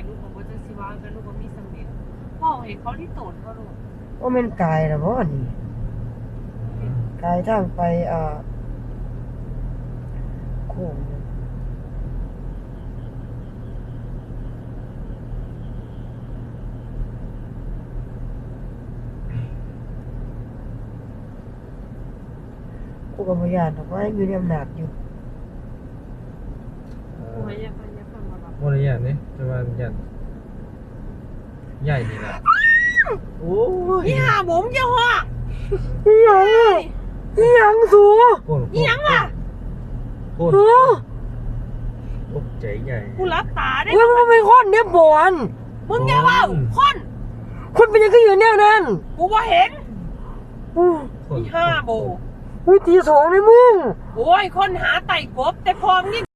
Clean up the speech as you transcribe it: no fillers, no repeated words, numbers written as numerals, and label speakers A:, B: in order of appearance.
A: ลูกบอกว่าจะสิว่ากันลูกว่ามีสำเร็จพ่อเห็นเขาที่โตนเขาลูก
B: ว่ามันกายนะบ่นี่กายทางไปโค้งกูก็บ่ย่านดอกว่าอยู่ในอำนาจอยู่
A: โอ้ยอย่าฟังมาแบบ
C: บ่ได้ย่านนี่แต่ว่าย่านใหญ่นี่แหละโอ้ย
A: นี่หาผมจะหัว
B: อีหยังอ่ะอีหยังสู
A: นี่ยังล่ะ
C: โคตรตกใจใหญ่
A: กูรับตาได้
B: เฮ้ยมันเป็นคนเนี่ยบอน
A: มึงอย่าว่าคน
B: คนเป็นยังไงอยู่แนวนั้น
A: กูว่าเห็น
B: อู้
A: นี่ห้าโบ
B: อุ้ยตีสองเลยมึง
A: โอ้ยคนหาไต่กบแต่พร้อมนี่